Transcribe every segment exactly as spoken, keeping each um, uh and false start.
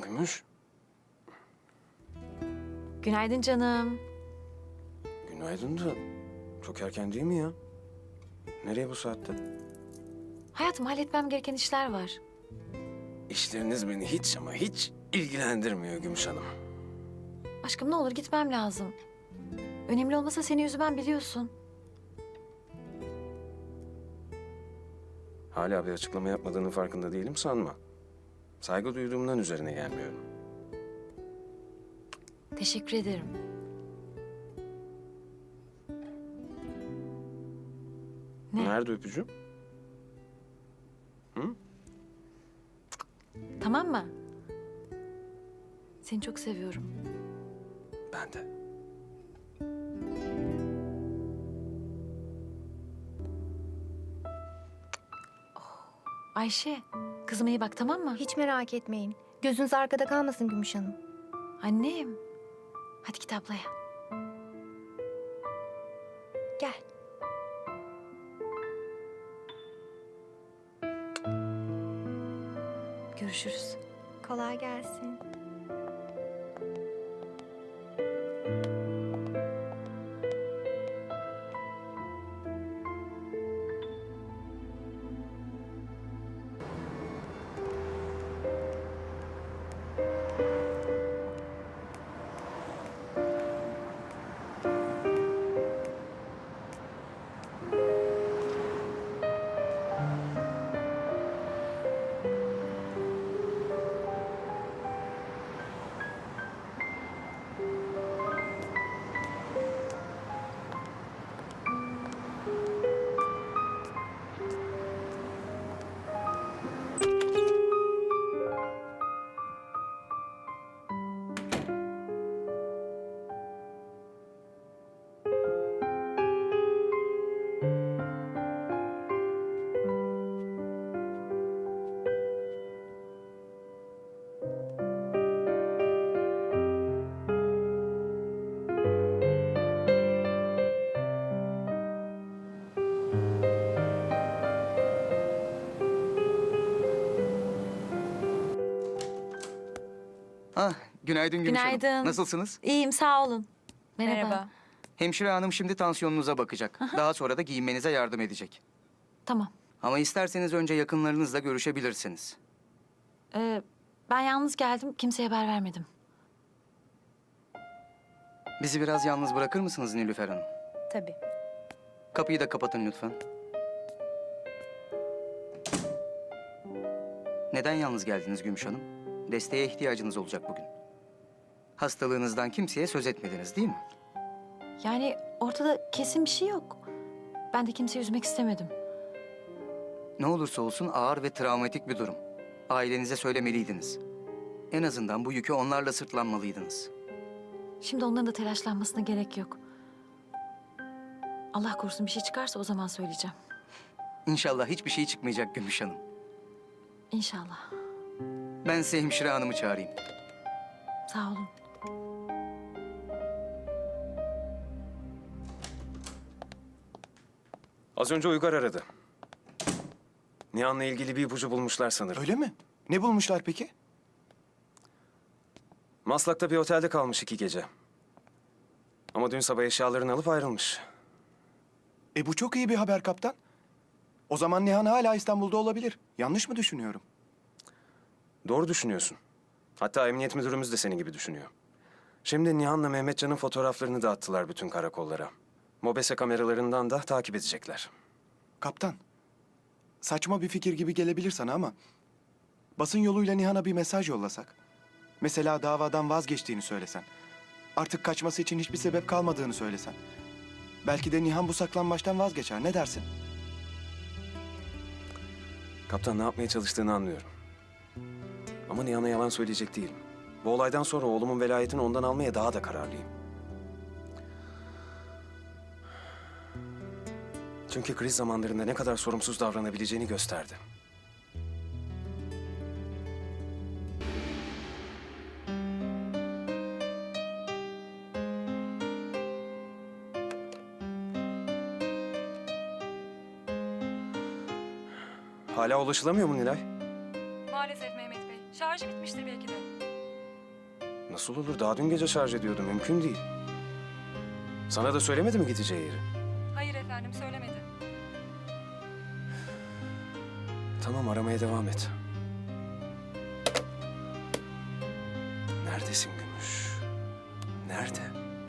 Gümüş. Günaydın canım. Günaydın da çok erken değil mi ya? Nereye bu saatte? Hayatım, halletmem gereken işler var. İşleriniz beni hiç ama hiç ilgilendirmiyor Gümüş Hanım. Aşkım, ne olur gitmem lazım. Önemli olmasa seni üzmem, biliyorsun. Hala bir açıklama yapmadığının farkında değilim sanma. Saygı duyduğumdan üzerine gelmiyorum. Teşekkür ederim. Ne? Nerede öpücüğüm? Hı? Tamam mı? Seni çok seviyorum. Ben de. Ayşe, kızıma iyi bak, tamam mı? Hiç merak etmeyin. Gözünüz arkada kalmasın Gümüş Hanım. Annem. Hadi git ablaya. Gel. Görüşürüz. Kolay gelsin. Ah, günaydın Gümüş Hanım. Günaydın. Nasılsınız? İyiyim, sağ olun. Merhaba. Merhaba. Hemşire hanım şimdi tansiyonunuza bakacak. Daha sonra da giyinmenize yardım edecek. Tamam. Ama isterseniz önce yakınlarınızla görüşebilirsiniz. Ee, ben yalnız geldim, kimseye haber vermedim. Bizi biraz yalnız bırakır mısınız Nilüfer Hanım? Tabii. Kapıyı da kapatın lütfen. Neden yalnız geldiniz Gümüş Hanım? Desteğe ihtiyacınız olacak bugün. Hastalığınızdan kimseye söz etmediniz değil mi? Yani ortada kesin bir şey yok. Ben de kimseyi üzmek istemedim. Ne olursa olsun ağır ve travmatik bir durum. Ailenize söylemeliydiniz. En azından bu yükü onlarla sırtlanmalıydınız. Şimdi onların da telaşlanmasına gerek yok. Allah korusun bir şey çıkarsa o zaman söyleyeceğim. İnşallah hiçbir şey çıkmayacak Gümüş Hanım. İnşallah. Ben size hemşire hanımı çağırayım. Sağ olun. Az önce Uygar aradı. Nihan'la ilgili bir ipucu bulmuşlar sanırım. Öyle mi? Ne bulmuşlar peki? Maslak'ta bir otelde kalmış iki gece. Ama dün sabah eşyalarını alıp ayrılmış. E bu çok iyi bir haber kaptan. O zaman Nihan hala İstanbul'da olabilir. Yanlış mı düşünüyorum? Doğru düşünüyorsun. Hatta emniyet müdürümüz de senin gibi düşünüyor. Şimdi Nihan'la Mehmetcan'ın fotoğraflarını da attılar bütün karakollara. Mobese kameralarından da takip edecekler. Kaptan, saçma bir fikir gibi gelebilir sana ama... basın yoluyla Nihan'a bir mesaj yollasak. Mesela davadan vazgeçtiğini söylesen. Artık kaçması için hiçbir sebep kalmadığını söylesen. Belki de Nihan bu saklambaçtan vazgeçer. Ne dersin? Kaptan ne yapmaya çalıştığını anlıyorum. Ama Nihan'a yalan söyleyecek değilim. Bu olaydan sonra oğlumun velayetini ondan almaya daha da kararlıyım. Çünkü kriz zamanlarında ne kadar sorumsuz davranabileceğini gösterdi. Hala ulaşılamıyor mu Nilay? Maalesef Mehmet Bey. Şarjı bitmiştir belki de. Nasıl olur? Daha dün gece şarj ediyordu. Mümkün değil. Sana da söylemedi mi gideceği yeri? Hayır efendim, söylemedi. Tamam, aramaya devam et. Neredesin Gümüş? Nerede?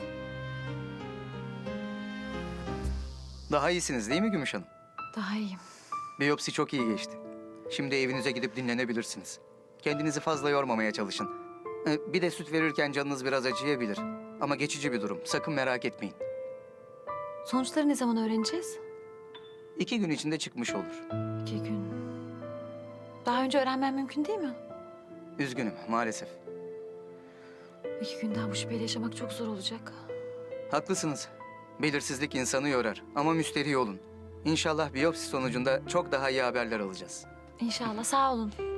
Daha iyisiniz değil mi Gümüş Hanım? Daha iyiyim. Biyopsi çok iyi geçti. Şimdi evinize gidip dinlenebilirsiniz. Kendinizi fazla yormamaya çalışın. Ee, Bir de süt verirken canınız biraz acıyabilir. Ama geçici bir durum. Sakın merak etmeyin. Sonuçları ne zaman öğreneceğiz? İki gün içinde çıkmış olur. İki gün. Daha önce öğrenmem mümkün değil mi? Üzgünüm maalesef. İki gün daha bu şüpheyle yaşamak çok zor olacak. Haklısınız. Belirsizlik insanı yorar ama müsterih olun. İnşallah biyopsi sonucunda çok daha iyi haberler alacağız. İnşallah, sağ olun.